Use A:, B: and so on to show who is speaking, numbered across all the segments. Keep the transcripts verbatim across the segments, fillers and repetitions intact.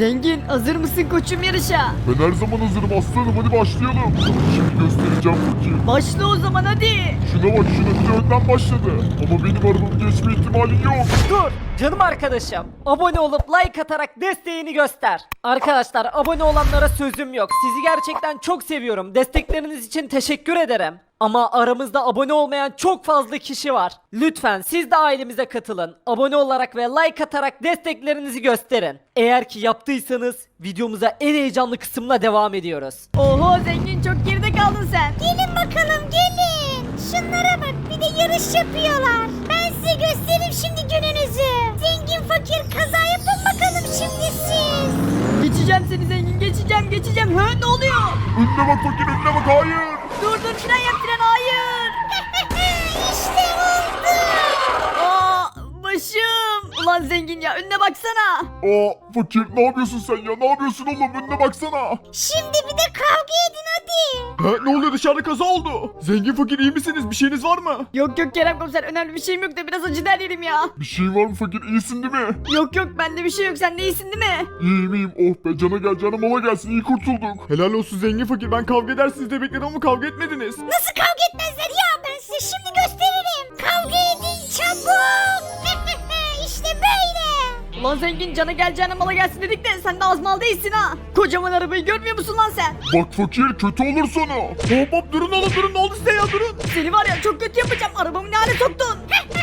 A: Zengin hazır mısın koçum yarışa?
B: Ben her zaman hazırım aslanım, hadi başlayalım. Sana şimdi göstereceğim fakir.
A: Başla o zaman hadi.
B: Şuna bak, şuna bir de önden başladı. Ama benim arabamın geçme ihtimali yok.
C: Dur canım arkadaşım. Abone olup like atarak desteğini göster. Arkadaşlar abone olanlara sözüm yok. Sizi gerçekten çok seviyorum. Destekleriniz için teşekkür ederim. Ama aramızda abone olmayan çok fazla kişi var. Lütfen siz de ailemize katılın. Abone olarak ve like atarak desteklerinizi gösterin. Eğer ki yaptıysanız videomuza en heyecanlı kısımla devam ediyoruz.
A: Oho zengin çok geride kaldın sen.
D: Gelin bakalım gelin. Şunlara bak bir de yarış yapıyorlar. Ben size göstereyim şimdi gününüzü. Zengin fakir kaza yapın bakalım şimdi siz.
A: Geçeceğim seni zengin geçeceğim geçeceğim. Hı ne oluyor?
B: Önüne bak fakir, önüne bak, hayır.
A: Dur dur fren yap fren hayır.
D: İşte oldu.
A: Aa başım. Ulan zengin ya önüne baksana.
B: Aa fakir, ne yapıyorsun sen ya, ne yapıyorsun oğlum, önüne baksana.
D: Şimdi bir de kavga edin hadi.
E: Ha, ne oluyor, dışarıda kaza oldu. Zengin fakir iyi misiniz? Bir şeyiniz var mı?
A: Yok yok Kerem komiser önemli bir şeyim yok da biraz acı der yerim ya.
B: Bir şey var mı fakir, iyisin değil mi?
A: Yok yok bende bir şey yok sen de iyisin değil mi?
B: İyiyim iyiyim, oh be, cana gel cana mala gelsin, iyi kurtulduk.
E: Helal olsun zengin fakir, ben kavga edersiniz diye bekledim ama kavga etmediniz.
D: Nasıl kavga etmezler ya ben size şimdi gösteririm. Kavga edin çabuk. İşte böyle.
A: Ulan zengin cana geleceğine mala gelsin dedik de sen de az mal değilsin ha. Kocaman arabayı görmüyor musun lan sen?
B: Bak fakir, kötü olur sonu.
E: Hop hop durun oğlum, durun, ne oldu size ya, durun.
A: Seni var ya çok kötü yapacağım arabamı ne hale soktun.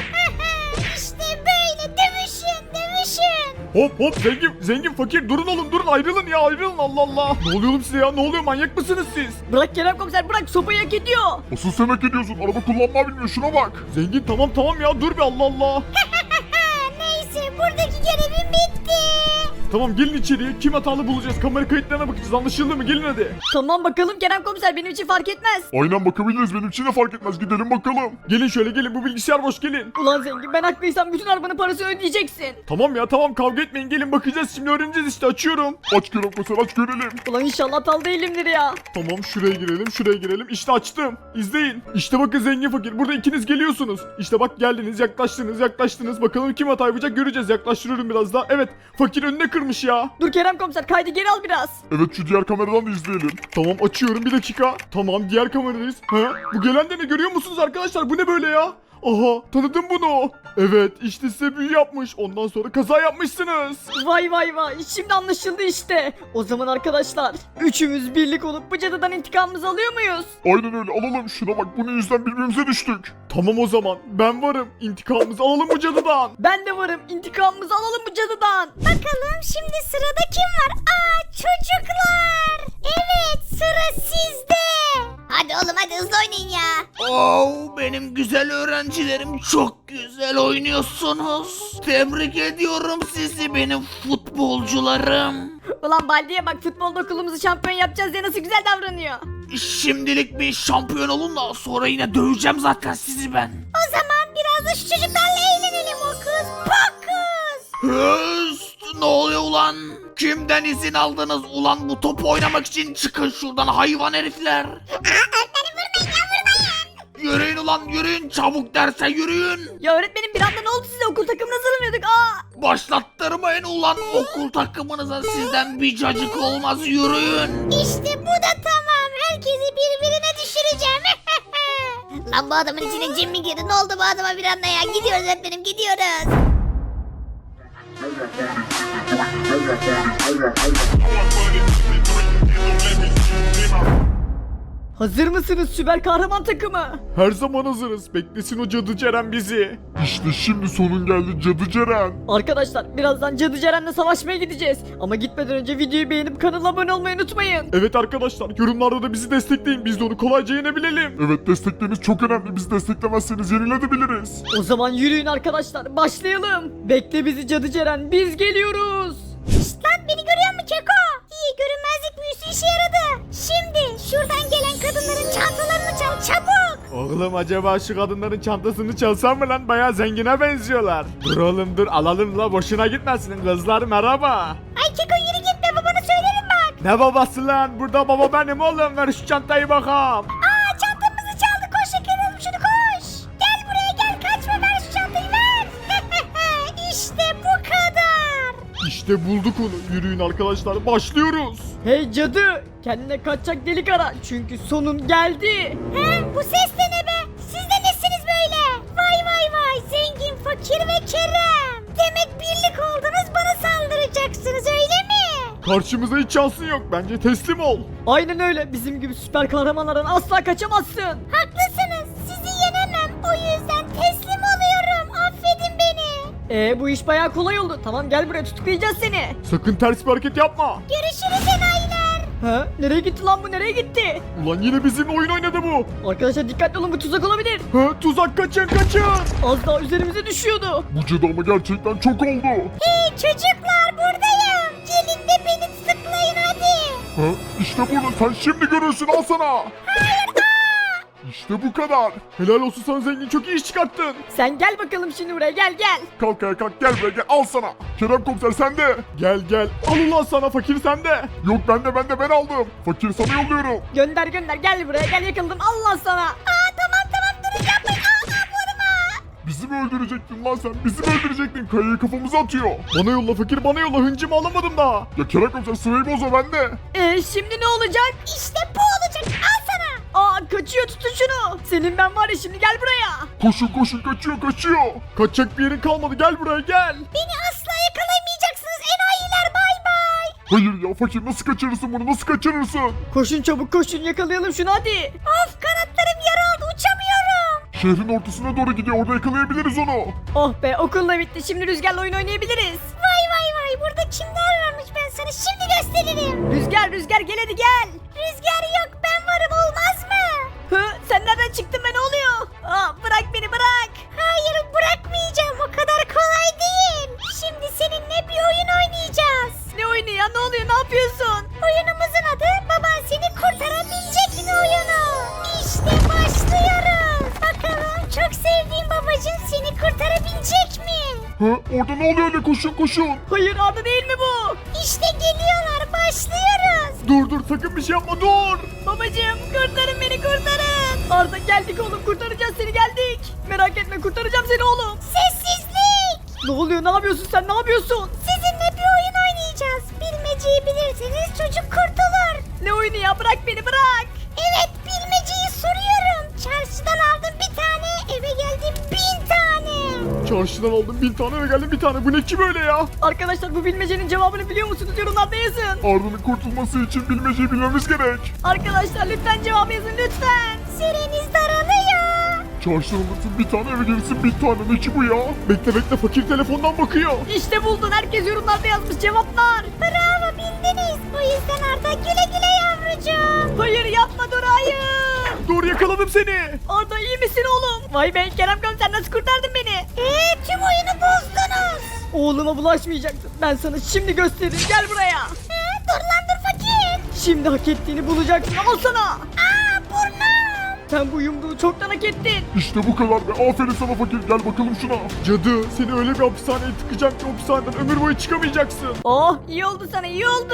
D: İşte böyle dövüşün dövüşün.
E: Hop hop zengin zengin fakir durun oğlum, durun, ayrılın ya, ayrılın, Allah Allah. Ne oluyor oğlum size ya, ne oluyor, manyak mısınız siz?
A: Bırak Kerem komiser bırak sopayı hak ediyor.
B: Asıl sen hak ediyorsun, araba kullanmayı bilmiyor, şuna bak.
E: Zengin tamam tamam ya, dur bir, Allah Allah.
D: Neyse buradaki görevim bitti.
E: Tamam gelin içeriye, kim hatalı bulacağız, kamera kayıtlarına bakacağız, anlaşıldı mı, gelin hadi.
A: Tamam bakalım Kerem komiser benim için fark etmez.
B: Aynen bakabiliriz, benim için de fark etmez, gidelim bakalım.
E: Gelin şöyle gelin, bu bilgisayar boş, gelin.
A: Ulan zengin ben haklıysam bütün arabanın parasını ödeyeceksin.
E: Tamam ya tamam, kavga etmeyin, gelin bakacağız şimdi, öğreneceğiz işte, açıyorum.
B: Aç Kerem mesela, aç görelim.
A: Ulan inşallah hatalı değilimdir ya.
E: Tamam şuraya girelim, şuraya girelim, işte açtım, izleyin. İşte bakın zengin fakir, burada ikiniz geliyorsunuz. İşte bak geldiniz, yaklaştınız, yaklaştınız, bakalım kim hata yapacak göreceğiz, yaklaştırıyorum biraz daha. Evet, fakir önüne kırmış ya.
A: Dur Kerem komiser kaydı geri al biraz.
B: Evet, şu diğer kameradan da izleyelim.
E: Tamam açıyorum, bir dakika. Tamam diğer kameradayız. Ha? Bu gelen de ne, görüyor musunuz arkadaşlar, bu ne böyle ya? Aha tanıdım bunu. Evet işte size büyü yapmış. Ondan sonra kaza yapmışsınız.
A: Vay vay vay şimdi anlaşıldı işte. O zaman arkadaşlar üçümüz birlik olup bu cadıdan intikamımızı alıyor muyuz?
B: Aynen öyle, alalım, şuna bak, bunun yüzünden birbirimize düştük.
E: Tamam o zaman ben varım. İntikamımızı alalım bu cadıdan.
A: Ben de varım intikamımızı alalım bu cadıdan.
D: Bakalım şimdi sırada kim var? Aa çocuklar. Evet sıra sizde. Hadi oğlum hadi hızlı oynayın ya.
F: Oo, benim güzel öğrencilerim çok güzel oynuyorsunuz. Tebrik ediyorum sizi benim futbolcularım.
A: Ulan Baldi'ye bak futbolda okulumuzu şampiyon yapacağız diye nasıl güzel davranıyor.
F: Şimdilik bir şampiyon olun da sonra yine döveceğim zaten sizi ben.
D: O zaman biraz da şu çocuklarla eğlenelim okus pokus.
F: Höst, ne oluyor ulan? Kimden izin aldınız ulan bu topu oynamak için? Çıkın şuradan hayvan herifler.
D: Öğretmenim vurmayın ya vurmayın.
F: Yürüyün ulan yürüyün, çabuk derse yürüyün.
A: Ya öğretmenim bir anda ne oldu size okul takımına hazırlanıyorduk aa.
F: Başlattırmayın ulan okul takımınıza, sizden bir cacık olmaz, yürüyün.
D: İşte bu da tamam. Herkesi birbirine düşüreceğim. Lan bu adamın içine cin mi girdi? Ne oldu bu adama bir anda ya? Gidiyoruz öğretmenim gidiyoruz.
A: Hazır mısınız süper kahraman takımı?
E: Her zaman hazırız. Beklesin o cadı Ceren bizi.
B: İşte şimdi sonun geldi Cadı Ceren.
A: Arkadaşlar birazdan Cadı Ceren'le savaşmaya gideceğiz. Ama gitmeden önce videoyu beğenip kanala abone olmayı unutmayın.
E: Evet arkadaşlar, yorumlarda da bizi destekleyin. Biz de onu kolayca yenebilelim.
B: Evet, destekleriniz çok önemli, bizi desteklemezseniz yenilebiliriz.
A: O zaman yürüyün arkadaşlar başlayalım. Bekle bizi Cadı Ceren biz geliyoruz.
D: Şşt lan beni görüyor musun Keko? İyi görünmezlik büyüsü işe yaradı. Şimdi şuradan gelen kadınların çantalarını çal çabuk.
E: Oğlum acaba şu kadınların çantasını çalsam mı lan? Bayağı zengine benziyorlar. Dur oğlum dur, alalım la, boşuna gitmesin. Kızlar merhaba.
D: Ay Keko yürü gitme babana söylerim bak.
E: Ne babası lan? Burada baba benim oğlum. Ver şu çantayı bakalım.
D: Aa çantamızı çaldı koş yakalayalım şunu koş. Gel buraya gel kaçma ver şu çantayı ver. İşte bu kadar.
E: İşte İşte bulduk onu. Yürüyün arkadaşlar, başlıyoruz.
A: Hey cadı, kendine kaçacak delik ara çünkü sonun geldi.
D: He, bu ses de ne be? Siz de nesiniz böyle? Vay vay vay, zengin, fakir ve Kerem. Demek birlik oldunuz, bana saldıracaksınız öyle mi?
E: Karşımıza hiç şansın yok. Bence teslim ol.
A: Aynen öyle, bizim gibi süper kahramanlardan asla kaçamazsın.
D: Haklısınız, sizi yenemem. O yüzden teslim oluyorum. Affedin beni.
A: Ee bu iş bayağı kolay oldu. Tamam gel buraya, tutuklayacağız seni.
E: Sakın ters bir hareket yapma.
D: Görüşürüz enayiler.
A: Ha? Nereye gitti lan bu, nereye gitti?
E: Ulan yine bizimle oyun oynadı bu.
A: Arkadaşlar dikkatli olun, bu tuzak olabilir.
E: Ha, tuzak, kaçın kaçın.
A: Az daha üzerimize düşüyordu.
B: Bu cadı ama gerçekten çok oldu.
D: Hey çocuklar, buradayım. Gelin de beni tutuklayın hadi.
B: Ha? İşte burada, sen şimdi görürsün, al sana. İşte bu kadar.
E: Helal olsun sana zengin, çok iyi iş çıkarttın.
A: Sen gel bakalım şimdi buraya, gel gel.
B: Kalk ayağa kalk, gel buraya gel, al sana. Kerem komiser sende.
E: Gel gel, al ulan sana, fakir sende.
B: Yok bende bende ben aldım. Fakir sana yolluyorum.
A: Gönder gönder, gel buraya, gel, yakaladım Allah sana.
D: Aa tamam tamam, durun yapmayın. Aa, aa vurma.
B: Bizi mi öldürecektin lan sen? Bizi mi öldürecektin? Kayayı kafamıza atıyor.
E: Bana yolla fakir, bana yolla, hıncımı alamadım daha.
B: Ya Kerem komiser sırayı bozma bende.
A: Ee şimdi ne olacak?
D: İşte bu olacak. Al sana.
A: Aa kaçıyor, tutun şunu. Senin ben var ya, şimdi gel buraya.
B: Koşun koşun, kaçıyor kaçıyor.
E: Kaçacak bir yerin kalmadı, gel buraya gel.
D: Beni asla yakalayamayacaksınız enayiler, bay bay.
B: Hayır ya fakir, nasıl kaçırırsın bunu, nasıl kaçırırsın?
A: Koşun çabuk, koşun, yakalayalım şunu hadi.
D: Of, kanatlarım yaraldı, uçamıyorum.
B: Şehrin ortasına doğru gidiyor, orada yakalayabiliriz onu.
A: Oh be, okul da bitti, şimdi Rüzgar'la oyun oynayabiliriz.
D: Vay vay vay, burada kimler varmış, ben sana şimdi gösteririm.
A: Rüzgar, Rüzgar gel hadi gel.
D: Rüzgar yok, ben varım, olmaz mı?
A: Hı, sen nereden çıktın be, ne oluyor? Aa bırak beni, bırak.
D: Hayır, bırakmayacağım, o kadar kolay değil. Şimdi seninle bir oyun oynayacağız.
A: Ne oyunu ya, ne oluyor, ne yapıyorsun?
D: Oyunumuzun adı baban seni kurtarabilecek mi oyunu. İşte başlıyoruz. Bakalım çok sevdiğim babacığım seni kurtarabilecek mi?
B: Ha? Orada ne oluyor öyle, koşun koşun.
A: Hayır, Arda değil mi bu?
D: İşte geliyorlar, başlıyoruz.
E: Dur dur, sakın bir şey yapma, dur.
A: Babacığım kurtarın beni, kurtarın. Arda geldik oğlum, kurtaracağız seni, geldik. Merak etme, kurtaracağım seni oğlum.
D: Sessizlik.
A: Ne oluyor, ne yapıyorsun sen, ne yapıyorsun?
D: Sizinle bir oyun oynayacağız. Bilmeceyi bilirseniz çocuk kurtulur.
A: Ne oyunu ya, bırak beni, bırak.
D: Evet, bilmeceyi soruyorum. Çarşıdan aldım bir tane, eve geldim bin tane.
E: Çarşıdan aldım bin tane, eve geldim bir tane. Bu ne ki böyle ya?
A: Arkadaşlar bu bilmecenin cevabını biliyor musunuz? Yorumlarda yazın.
B: Arda'nın kurtulması için bilmeceyi bilmemiz gerek.
A: Arkadaşlar lütfen cevabı yazın lütfen.
D: Süreniz daralıyor.
B: Çarşıdan alırsın bir tane, eve gelirsin bir tane, ne ki bu ya?
E: Bekle bekle, fakir telefondan bakıyor.
A: İşte buldun, herkes yorumlarda yazmış cevaplar.
D: Bravo, bildiniz. O yüzden Arda güle güle yavrucuğum.
A: Hayır yapma, dur, hayır.
E: Dur, yakaladım seni.
A: Arda iyi misin oğlum? Vay be Kerem komiser, nasıl kurtardın beni?
D: Eee tüm oyunu bozdunuz.
A: Oğluma bulaşmayacaktın. Ben sana şimdi gösteririm, gel buraya.
D: He, dur lan dur fakir.
A: Şimdi hak ettiğini bulacaksın, al sana.
D: Aa burnum.
A: Sen bu yumruğu çoktan hak ettin.
B: İşte bu kadar be, aferin sana fakir, gel bakalım şuna.
E: Cadı, seni öyle bir hapishaneye tıkacağım ki hapishaneden ömür boyu çıkamayacaksın.
A: Oh iyi oldu sana, iyi oldu.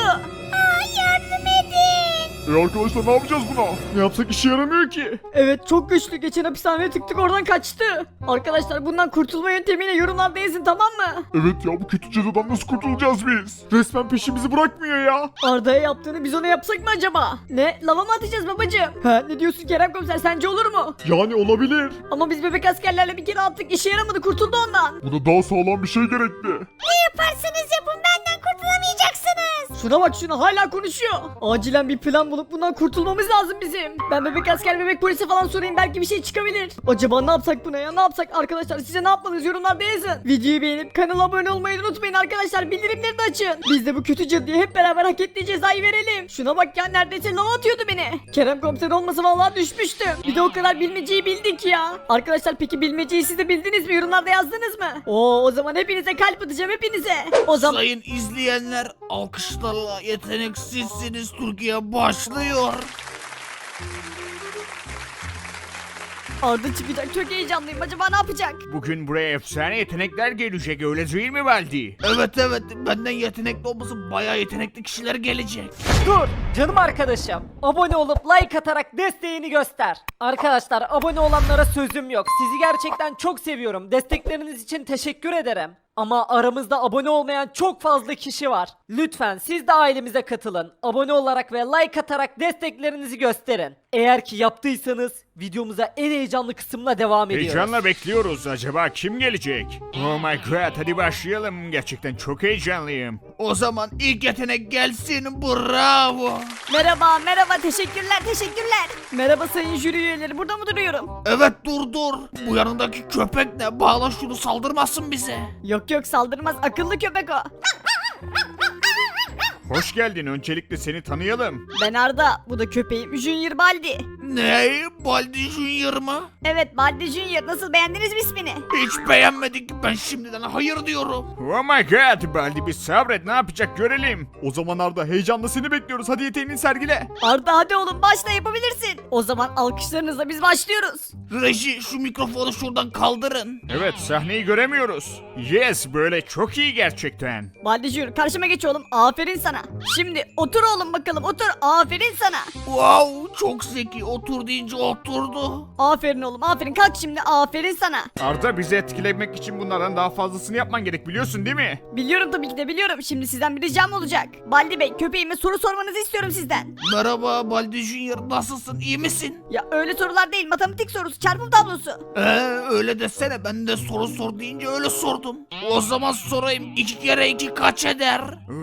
D: Aa yardım edin.
B: E arkadaşlar, ne yapacağız buna?
E: Ne yapsak işe yaramıyor ki.
A: Evet çok güçlü, geçen hapishaneye tıktık, oradan kaçtı. Arkadaşlar bundan kurtulma yöntemini yorumlarda yazın, tamam mı?
B: Evet ya, bu kötü cadıdan nasıl kurtulacağız biz?
E: Resmen peşimizi bırakmıyor ya.
A: Arda'ya yaptığını biz ona yapsak mı acaba? Ne? Lava mı atacağız babacığım? Ha, ne diyorsun Kerem komiser, sence olur mu?
E: Yani olabilir.
A: Ama biz bebek askerlerle bir kere attık, işe yaramadı, kurtuldu ondan.
B: Buna daha sağlam bir şey gerekli.
D: Ne yaparsanız yapın benden kurtulamayacaksınız.
A: Şuna bak, şuna hala konuşuyor. Acilen bir plan bulup bundan kurtulmamız lazım bizim. Ben bebek asker, bebek polisi falan sorayım, belki bir şey çıkabilir. Acaba ne yapsak buna ya, ne yapsak? Arkadaşlar size ne yapmalıyız, yorumlarda yazın. Videoyu beğenip kanala abone olmayı unutmayın arkadaşlar, bildirimleri de açın. Biz de bu kötü cadıya hep beraber hak ettiği cezayı verelim. Şuna bak ya, neredeyse lava atıyordu beni. Kerem komiser olmasa vallahi düşmüştüm. Bir de o kadar bilmeceyi bildik ya. Arkadaşlar peki bilmeceyi siz de bildiniz mi, yorumlarda yazdınız mı? Oo, o zaman hepinize kalp atacağım, hepinize. O zaman
F: Sayın izleyenler, alkışlarla Yeteneksizsiniz Türkiye başlıyor.
A: Arda çıkacak, çok heyecanlıyım, acaba ne yapacak?
G: Bugün buraya efsane yetenekler gelecek, öyle değil mi Baldi?
F: Evet evet, benden yetenekli olması bayağı yetenekli kişiler gelecek.
C: Dur canım arkadaşım. Abone olup like atarak desteğini göster. Arkadaşlar abone olanlara sözüm yok. Sizi gerçekten çok seviyorum. Destekleriniz için teşekkür ederim. Ama aramızda abone olmayan çok fazla kişi var. Lütfen siz de ailemize katılın. Abone olarak ve like atarak desteklerinizi gösterin. Eğer ki yaptıysanız videomuza en heyecanlı kısımla devam ediyoruz.
G: Heyecanla bekliyoruz. Acaba kim gelecek? Oh my god, hadi başlayalım. Gerçekten çok heyecanlıyım.
F: O zaman ilk yetenek gelsin, bravo.
A: Merhaba merhaba teşekkürler teşekkürler. Merhaba sayın jüri üyeleri burada mı duruyorum?
F: Evet dur dur. Bu yanındaki köpek ne? Bağla şunu, saldırmasın bize.
A: Yok yok saldırmaz akıllı köpek o.
G: Hoş geldin. Öncelikle seni tanıyalım.
A: Ben Arda bu da köpeğim Junior Baldi.
F: Ne? Baldi Junior mı?
A: Evet Baldi Junior nasıl beğendiniz mi ismini?
F: Hiç beğenmedik. Ben şimdiden hayır diyorum.
G: Oh my god, Baldi bir sabret, ne yapacak görelim.
E: O zaman Arda heyecanla seni bekliyoruz. Hadi yeteneğini sergile.
A: Arda hadi oğlum başla yapabilirsin. O zaman alkışlarınızla biz başlıyoruz.
F: Reji şu mikrofonu şuradan kaldırın.
G: Evet, sahneyi göremiyoruz. Yes, böyle çok iyi gerçekten.
A: Baldi Junior karşıma geç oğlum aferin sana. Şimdi otur oğlum bakalım otur aferin sana.
F: Wow, çok zeki. Otur deyince oturdu.
A: Aferin oğlum aferin kalk şimdi aferin sana.
G: Arda, bizi etkilemek için bunlardan daha fazlasını yapman gerek, biliyorsun değil mi?
A: Biliyorum tabii ki de biliyorum. Şimdi sizden bir ricam olacak. Baldi Bey köpeğime soru sormanızı istiyorum sizden.
F: Merhaba Baldi Junior, nasılsın, iyi misin?
A: Ya öyle sorular değil matematik sorusu çarpım tablosu.
F: Ee, öyle desene, ben de soru sor deyince öyle sordum. O zaman sorayım, iki kere iki kaç eder?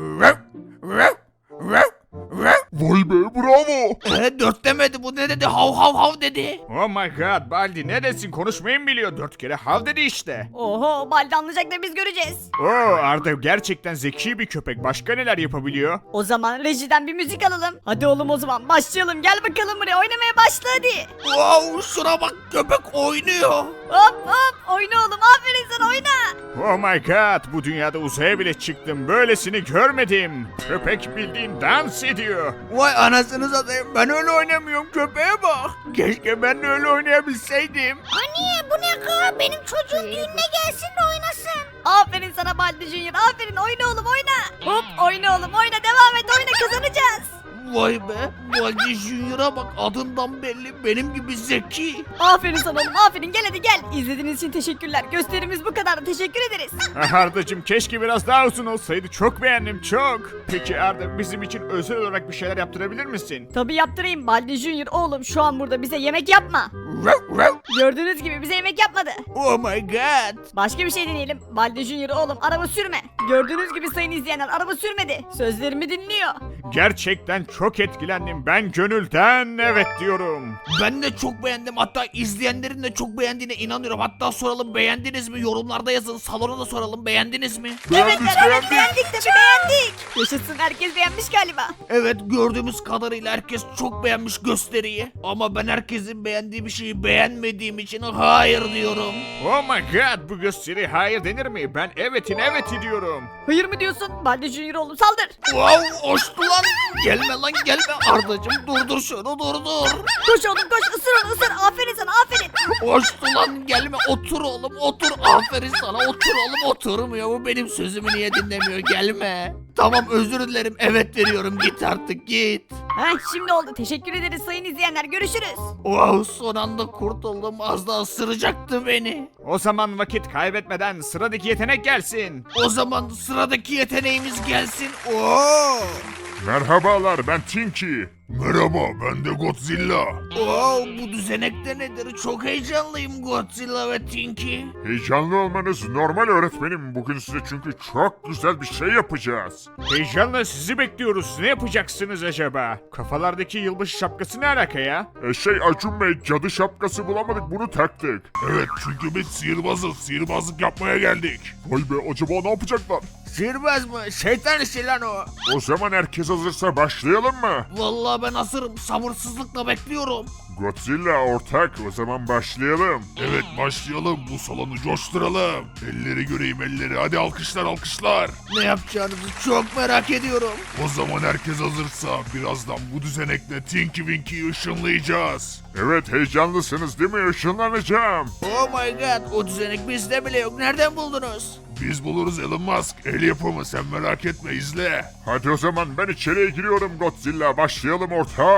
B: Vay be bravo.
F: Ee, dört demedi, bu ne dedi, hav hav hav dedi.
G: Oh my god, Baldi ne desin, konuşmayı mı biliyor? Dört kere hav dedi işte.
A: Oho Baldi anlayacak da biz göreceğiz.
G: Oo, Arda gerçekten zeki bir köpek. Başka neler yapabiliyor?
A: O zaman rejiden bir müzik alalım. Hadi oğlum o zaman başlayalım gel bakalım buraya oynamaya başla hadi.
F: Wow, şuna bak, köpek oynuyor.
A: Hop hop oyna oğlum aferin sana oyna.
G: Oh my god, bu dünyada uzaya bile çıktım. Böylesini görmedim. Köpek bildiğin dans ediyor.
F: Vay anasını satayım, ben öyle oynamıyorum, köpeğe bak.
G: Keşke ben de öyle oynayabilseydim.
D: Anne bu ne kız? Benim çocuğum düğününe gelsin de oynasın.
A: Aferin sana Baldi Junior aferin oyna oğlum oyna. Hop oyna oğlum oyna devam et oyna kazanacağız.
F: Vay be, Baldi Junior'a bak, adından belli, benim gibi zeki.
A: Aferin sana oğlum aferin gel hadi gel. İzlediğiniz için teşekkürler. Gösterimiz bu kadar teşekkür ederiz.
G: Ah Arda'cığım, keşke biraz daha uzun olsaydı. Çok beğendim, çok. Peki Arda, bizim için özel olarak bir şeyler yaptırabilir misin?
A: Tabii yaptırayım Baldi Junior oğlum şu an burada bize yemek yapma. Gördüğünüz gibi bize yemek yapmadı.
F: Oh my god.
A: Başka bir şey deneyelim. Baldi Junior oğlum araba sürme. Gördüğünüz gibi sayın izleyenler araba sürmedi. Sözlerimi dinliyor.
G: Gerçekten çok etkilendim. Ben gönülden evet diyorum.
F: Ben de çok beğendim, hatta izleyenlerin de çok beğendiğine inanıyorum. Hatta soralım, beğendiniz mi? Yorumlarda yazın, salona da soralım, beğendiniz mi?
A: Evet evet beğendik tabii beğendik. Yaşasın herkes beğenmiş galiba.
F: Evet, gördüğümüz kadarıyla herkes çok beğenmiş gösteriyi. Ama ben herkesin beğendiği bir şeyi beğenmediğim için hayır diyorum.
G: Oh my god, bu gösteri hayır denir mi? Ben evetin eveti diyorum.
A: Hayır mı diyorsun? Baldi Junior oğlum saldır.
F: Wow, hoştu lan. Gelme lan gelme. Ardacım durdur şunu, durdur.
A: Koş oğlum koş ısır onu ısır. Aferin sana aferin.
F: Hoştu lan, gelme, otur oğlum otur. Aferin sana, otur oğlum. Oturmuyor, bu benim sözümü niye dinlemiyor, gelme. Tamam, özür dilerim, evet veriyorum, git artık git.
A: Heh şimdi oldu. Teşekkür ederiz sayın izleyenler. Görüşürüz.
F: Wow, son anda kurtuldum, az daha ısıracaktı beni.
G: O zaman vakit kaybetmeden sıradaki yetenek gelsin.
F: O zaman sıradaki yeteneğimiz gelsin. Oo!
B: Merhabalar, ben Tinky. Merhaba, ben de Godzilla.
F: Oo, bu düzenekte nedir? Çok heyecanlıyım Godzilla ve Tinky.
B: Heyecanlı olmanız normal öğretmenim. Bugün size çünkü çok güzel bir şey yapacağız.
G: Heyecanla sizi bekliyoruz. Ne yapacaksınız acaba? Kafalardaki yılbaşı şapkası ne alaka ya?
B: E şey Acun Bey, cadı şapkası bulamadık, bunu taktık. Evet, çünkü biz sihirbazız, sihirbazlık yapmaya geldik. Vay be, acaba ne yapacaklar?
F: Sihirbaz mı? Şeytan işi lan o.
B: O zaman herkes hazırsa başlayalım mı?
F: Vallahi ben hazırım. Sabırsızlıkla bekliyorum.
B: Godzilla ortak, o zaman başlayalım. Evet başlayalım, bu salonu coşturalım. Elleri göreyim elleri, hadi alkışlar alkışlar.
F: Ne yapacağınızı çok merak ediyorum.
B: O zaman herkes hazırsa birazdan bu düzenekle Tinky Winky'yi ışınlayacağız. Evet, heyecanlısınız değil mi? Işınlanacağım.
F: Oh my god, o düzenek bizde bile yok. Nereden buldunuz?
B: Biz buluruz Elon Musk. El yapımı, sen merak etme, izle. Hadi o zaman ben içeriye giriyorum Godzilla. Başlayalım ortağım.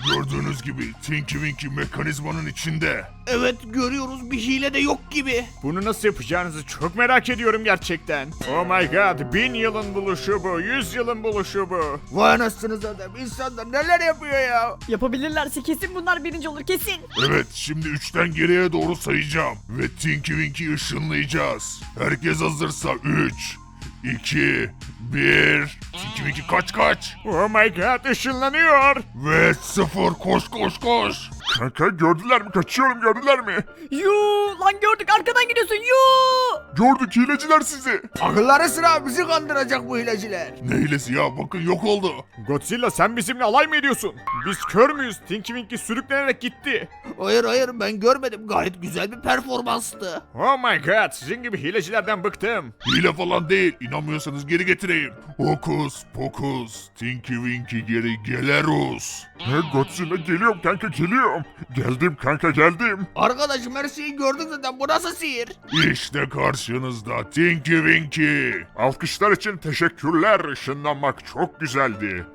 B: Gördüğünüz gibi Tinky Winky mekanizmanın içinde.
F: Evet görüyoruz bir hile de yok gibi.
G: Bunu nasıl yapacağınızı çok merak ediyorum gerçekten. Oh my god, bin yılın buluşu bu, yüz yılın buluşu bu.
F: Vay anasınız adam insanlar neler yapıyor ya.
A: Yapabilirlerse kesin bunlar birinci olur kesin.
B: Evet, şimdi üçten geriye doğru sayacağım. Ve Tinky Winky'yi ışınlayacağız. Herkes hazırsa üç, iki, bir. Tinky Winky kaç kaç.
G: Oh my god, ışınlanıyor.
B: Ve sıfır, koş koş koş. Kanka gördüler mi? Kaçıyorum, gördüler mi?
A: Yuu lan gördük arkadan gidiyorsun yuu.
B: Gördük, hileciler sizi.
F: Akılları sıra bizi kandıracak bu hileciler.
B: Ne hilesi ya, bakın yok oldu.
G: Godzilla, sen bizimle alay mı ediyorsun? Biz kör müyüz? Tinky Winky sürüklenerek gitti.
F: Hayır hayır ben görmedim gayet güzel bir performanstı.
G: Oh my god, sizin gibi hilecilerden bıktım.
B: Hile falan değil, İnanmıyorsanız geri getireyim. Hokus pokus, Tinky Winky geri gelerus. He Godzilla, geliyorum kanka, geliyorum. Geldim kanka, geldim.
F: Arkadaşım her şeyi gördük zaten bu nasıl sihir?
B: İşte karşınızda Tinky Winky. Alkışlar için teşekkürler, ışınlanmak çok güzeldi.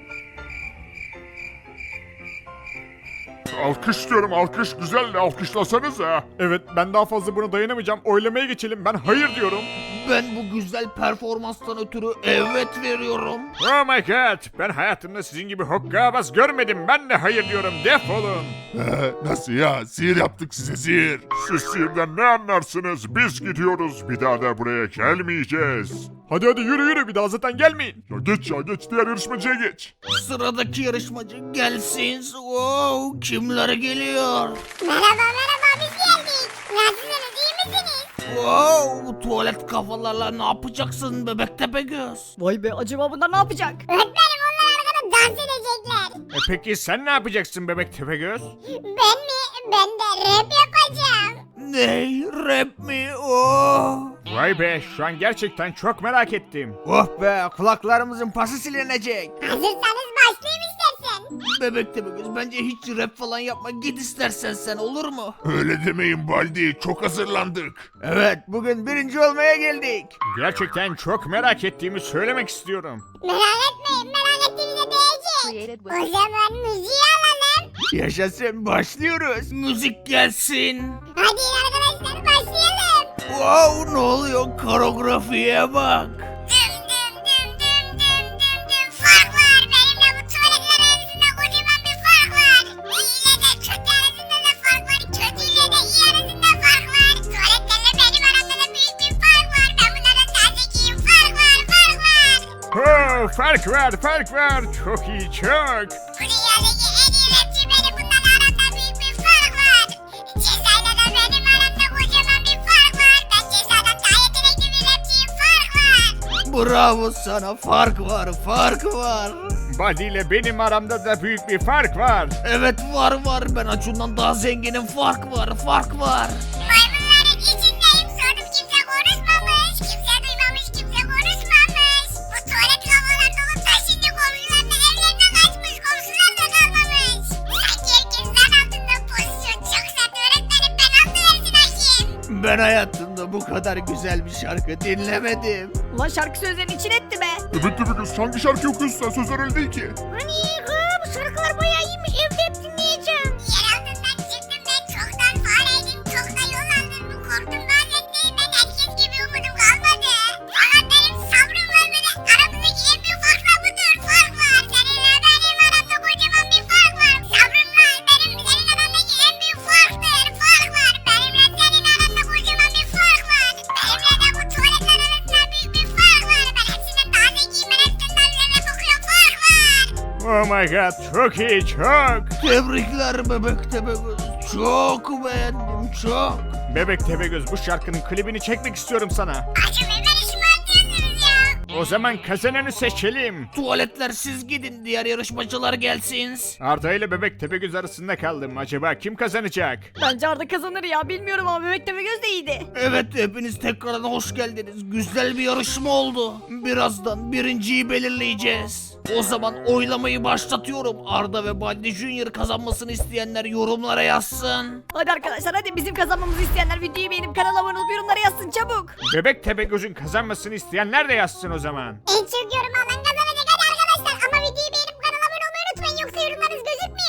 B: Alkış diyorum, alkış güzeldi, alkışlasanıza.
G: Evet, ben daha fazla buna dayanamayacağım. Oylamaya geçelim, ben hayır diyorum.
F: Ben bu güzel performanstan ötürü evet veriyorum.
G: Oh my god, ben hayatımda sizin gibi hokkabaz görmedim. Ben de hayır diyorum, defolun.
B: Ee, nasıl ya, sihir yaptık size, sihir. Siz sihirden ne anlarsınız? Biz gidiyoruz, bir daha da buraya gelmeyeceğiz.
G: Hadi hadi yürü yürü, bir daha zaten gelmeyin.
B: Ya geç ya, geç, diğer yarışmacıya geç.
F: Sıradaki yarışmacı gelsin. Wow, kimler geliyor?
D: Merhaba merhaba biz geldik. Nasılsınız iyi misiniz?
F: Wow, bu tuvalet kafalarla ne yapacaksın bebek Tepegöz?
A: Vay be acaba bunlar ne yapacak?
D: Öğretmenim onlar arkada dans edecekler.
G: E peki sen ne yapacaksın bebek Tepegöz?
D: Ben mi? Ben de rap yapacağım.
F: Ne? Rap mi? Oh.
G: Vay be, şu an gerçekten çok merak ettim.
F: Oh be, kulaklarımızın pası silinecek.
D: Hazırsanız başlayayım istersen.
F: Bebek Tepegöz bence hiç rap falan yapma, git istersen sen, olur mu?
B: Öyle demeyin Baldi, çok hazırlandık.
F: Evet, bugün birinci olmaya geldik.
G: Gerçekten çok merak ettiğimi söylemek istiyorum.
D: Merak etmeyin merak ettiğinize değecek. O zaman müziği alalım.
F: Yaşasın, başlıyoruz. Müzik gelsin.
D: Hadi arkadaşlar başlayalım.
F: Wow, ne oluyor? Koreografiye bak.
D: Düm düm düm düm düm düm düm. Fark var. Benimle bu tuvaletler arasında kocaman bir fark var. İyi ile de kötü arasında da fark var. Kötü ile de iyi arasında fark var. Tuvaletlerle benim aramda da büyük bir fark var. Ben bunlardan daha zekiyim. Fark var fark var.
G: Oh, fark var, fark var. Çok iyi, çok.
D: Bu dünyadaki en iyi rapçi benim. Bunlarla aramda büyük bir fark var. Cezayla da benim aramda kocaman bir fark var. Ben cezadan daha yetenekli bir rapçiyim. Fark var.
F: Bravo sana, fark var, fark var.
G: Buddy ile benim aramda da büyük bir fark var.
F: Evet var var, ben Acun'dan daha zenginim, fark var, fark var.
D: Maymunların içindeyim. Sordum kimse konuşmamış. Kimse duymamış, kimse konuşmamış. Bu tuvalet havalar dolu taşındı. Komşuların evlerinden kaçmış. Komşular da kalmamış. Sanki herkes zan altında pozisyon. Çok sert öğretmenim. Ben anlıversin hakim.
F: Ben hayatımda bu kadar güzel bir şarkı dinlemedim.
A: Ulan şarkı sözlerini için etti be.
B: Evet tabii kız, hangi şarkı okuyorsun sen? Sözler öyle değil ki.
D: Hani bu şarkılar bayağı iyiymiş. Evde hep dinleyeceğim. Yer altından çıktım ben. Çoktan fareydim. Çok da yol aldım. Bu korktum vaziyetteyim. Ben herkes gibi umudum kalmadı. Fakat benim sabrım var ve de aramızdaki en büyük fark da budur. Fark var. Seninle benim aramda kocaman bir fark var. Sabrımla benim senin arandaki en büyük farktır. Fark var. Benimle senin aranda kocaman bir fark var. Benimle de bu tuvaletler arasında büyük bir fark var. Ben hepsinden daha zekiyim. Ben hepsinden üzerine bakıyorum. Fark var.
G: Oh my god, çok iyi, çok.
F: Tebrikler bebek Tepegöz. Çok beğendim, çok.
G: Bebek Tepegöz, bu şarkının klibini çekmek istiyorum sana.
D: Acım hemen işimi atıyorsunuz ya.
G: O zaman kazananı seçelim.
F: Tuvaletler siz gidin, diğer yarışmacılar gelsin.
G: Arda ile Bebek Tepegöz arasında kaldım. Acaba kim kazanacak?
A: Bence Arda kazanır ya bilmiyorum ama bebek Tepegöz de iyiydi.
F: Evet, hepiniz tekrardan hoş geldiniz. Güzel bir yarışma oldu. Birazdan birinciyi belirleyeceğiz. O zaman oylamayı başlatıyorum. Arda ve Baldi Junior kazanmasını isteyenler yorumlara yazsın.
A: Hadi arkadaşlar hadi bizim kazanmamızı isteyenler videoyu beğenip kanala abone olup yorumlara yazsın çabuk.
G: Bebek Tepegöz'ün kazanmasını isteyenler de yazsın o zaman.
D: En çok yorum alan kazanacak hadi arkadaşlar. Ama videoyu beğenip kanala abone olmayı unutmayın. Yoksa yorumlarınız gözükmüyor.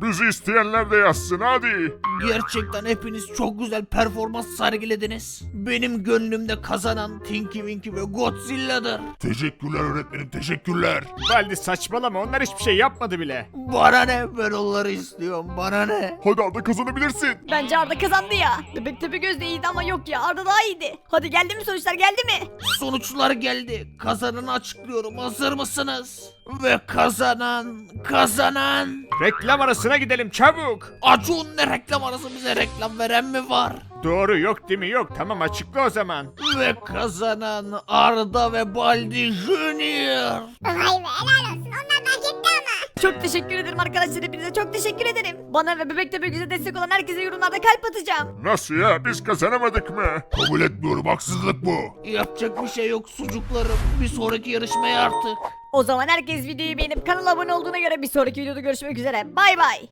B: Bizi isteyenler de yazsın hadi.
F: Gerçekten hepiniz çok güzel performans sergilediniz. Benim gönlümde kazanan Tinky Winky ve Godzilla'dır.
B: Teşekkürler öğretmenim teşekkürler.
G: Baldi saçmalama onlar hiçbir şey yapmadı bile.
F: Bana ne, ben onları istiyorum, bana ne?
B: Hadi Arda kazanabilirsin.
A: Bence Arda kazandı ya. Bebek Tepegöz de iyiydi ama yok ya, Arda daha iyiydi. Hadi geldi mi sonuçlar, geldi mi?
F: Sonuçlar geldi. Kazananı açıklıyorum. Hazır mısınız? Ve kazanan, kazanan...
G: Reklam arasına gidelim çabuk.
F: Acun, ne reklam arası, bize reklam veren mi var?
G: Doğru yok değil mi yok tamam açıkla o zaman.
F: Ve kazanan Arda ve Baldi Junior.
D: Vay be helal olsun. Onlar da hak etti ama.
A: Çok teşekkür ederim arkadaşlar, hepinize çok teşekkür ederim. Bana ve Bebek Tepegöz'e destek olan herkese yorumlarda kalp atacağım.
B: Nasıl ya biz kazanamadık mı? Kabul etmiyorum haksızlık bu.
F: Yapacak bir şey yok sucuklarım. Bir sonraki yarışmaya artık.
A: O zaman herkes videoyu beğenip kanala abone olduğuna göre bir sonraki videoda görüşmek üzere. Bay bay.